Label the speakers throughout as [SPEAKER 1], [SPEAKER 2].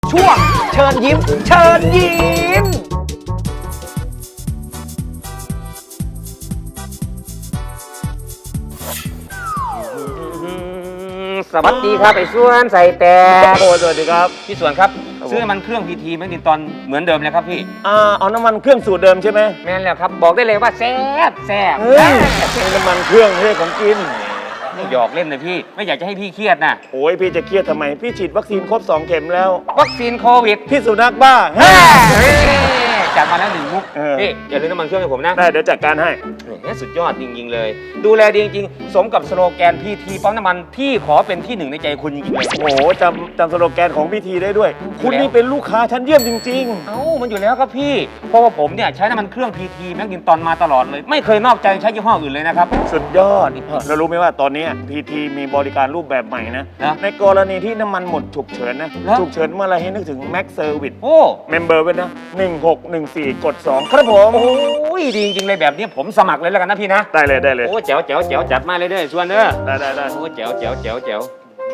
[SPEAKER 1] ช่วงเชิญยิ้มเชิญยิ้มสวัสดีครับไอ้ส่วนใส่แต่
[SPEAKER 2] โอ้สวัสดีครับ
[SPEAKER 1] พี่ส่วนครับซื้อน้ำมันเครื่องพีทีแมกนิตอนเหมือนเดิมเลยครับพี่
[SPEAKER 2] เอาน้ำมันเครื่องสูตรเดิมใช่ไหม
[SPEAKER 1] แม่นแล้วครับบอกได้เลยว่าแซ่บแซ่บ
[SPEAKER 2] เฮ้ยน้ำมันเครื่องไม่ใช่ของกิน
[SPEAKER 1] ไม่หยอกเล่นเลยพี่ไม่อยากจะให้พี่เครียดนะ
[SPEAKER 2] โอ้ยพี่จะเครียดทำไมพี่ฉีดวัคซีนครบ2 เข็มแล้ว
[SPEAKER 1] วัคซีนโควิด
[SPEAKER 2] พี่สุนัขบ้า
[SPEAKER 1] จัดมาแล้ว1 มุก
[SPEAKER 2] เออ
[SPEAKER 1] พี่อย่าลืมน้ำมันเครื่องให้ผมนะ
[SPEAKER 2] ได้เดี๋ยวจัดการให้
[SPEAKER 1] นี่สุดยอดจริงๆเลย ดูแลดีจริงๆสมกับสโลแกนพีทีปั๊มน้ำมันพี่ขอเป็นที่1ในใจคุณจริงๆเลย
[SPEAKER 2] โอ้โหจำสโลแกนของพี่ทีได้ด้วย คุณนี่เป็นลูกค้าชั้นเยี่ยมจริง
[SPEAKER 1] เอ้ามันอยู่แล้วครับพี่เพราะว่าผมเนี่ยใช้น้ำมันเครื่องพีทีแมกนิตอนมาตลอดเลย ไม่เคยนอกใจใช้ยี่ห้ออื่นเลยนะครับ
[SPEAKER 2] ๆ สุดยอดเรารู้ไหมว่าตอนนี้พีทีมีบริการรูปแบบใหม่นะ
[SPEAKER 1] นะ
[SPEAKER 2] ในกรณีที่น้ำมันหมดฉุกเฉินนะ
[SPEAKER 1] แล้ว
[SPEAKER 2] ฉุกเฉินเมื่อไรให้นึกถึง Max Service
[SPEAKER 1] โอ้
[SPEAKER 2] เมมเบอร์ไว้นะ1614 กด 2 ครับผม
[SPEAKER 1] โอ้ยดีจริงๆเลยแบบนี้ผมสมัครเลยแล้วกันนะพี่นะ
[SPEAKER 2] ได้เลยได้เลย
[SPEAKER 1] โอ้แจ๋วแจ๋วแจ๋วจัดมาเลยเด้อชวนเด้อ
[SPEAKER 2] ได้
[SPEAKER 1] โอ้แจ๋วแจ๋วแจ๋วแจ๋ว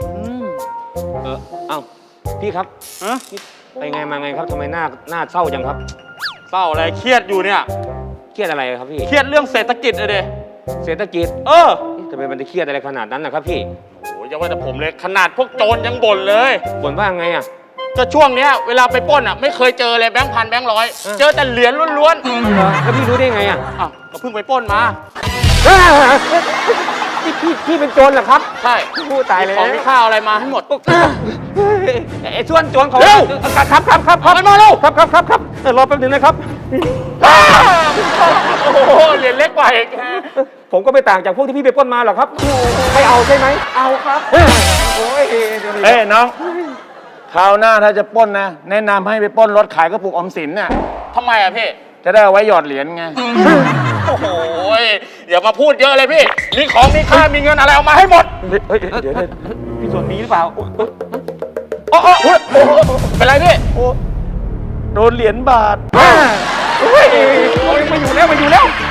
[SPEAKER 1] เอ้าพี่ครับ
[SPEAKER 3] ฮะ
[SPEAKER 1] ไปไงมาไงครับทำไมหน้าเศร้าจังครับ
[SPEAKER 3] เศร้าอะไรเครียดอยู่เนี่ย
[SPEAKER 1] เครียดอะไรครับพี่
[SPEAKER 3] เครียดเรื่องเศรษฐกิจเลยเด
[SPEAKER 1] เศรษฐกิจ
[SPEAKER 3] เออ
[SPEAKER 1] ทำไมมันจะเครียดอะไรขนาดนั้นนะครับพี่
[SPEAKER 3] โอ้ยอย่าว่าแต่ผมเลยขนาดพวกโจรยังบ่นเลย
[SPEAKER 1] บ่นว่าไงอ่ะ
[SPEAKER 3] ก็ช่วงเนี้ยเวลาไปปล้นอ่ะไม่เคยเจอเลยแบงค์พันแบงค์ร้อยเจอแต่เหรียญล้วน
[SPEAKER 1] แล้วพี่รู้ได้ไงอ่ะ
[SPEAKER 3] ๆอ้าวก็เพิ่งไปปล้นมา
[SPEAKER 1] พี่เป็นโจรเหรอครับ
[SPEAKER 3] ใช่
[SPEAKER 1] พูดตายเลย
[SPEAKER 3] ของมีค่าอะไรมาให้หมด
[SPEAKER 1] ไอ้ส่วนโจรเขา
[SPEAKER 3] เร็ว
[SPEAKER 1] ครับเอามันมาเร็วครับรอแป๊บนึงนะครับ
[SPEAKER 3] โอ้โหเหรียญเล็กกว่าอีก
[SPEAKER 1] ผมก็ไม่ต่างจากพวกที่พี่ไปปล้นมาหรอกครับไม่เอาใช่ไหมเอาครับโอ้ย
[SPEAKER 2] เอ้ยน้องคราวหน้าถ้าจะปล้นนะ แนะนำให้ไปปล้นรถขายกระปุกออมสินน่ะ
[SPEAKER 3] ทำไมอ่ะพี่
[SPEAKER 2] จะได้เอาไว้หยอดเหรียญไง
[SPEAKER 3] โอ้โหอย่ามาพูดเยอะเลยพี่มีของมีค่ามีเงินอะไรเอามาให้หมด
[SPEAKER 2] เฮ้ยเดี๋ยว
[SPEAKER 1] พี่ส่วนนี้หรือเปล่า
[SPEAKER 3] โอ้โหเป็นไรพี่
[SPEAKER 2] โอ้โดนเหรียญบาท
[SPEAKER 1] โอ้ยมาอยู่แล้ว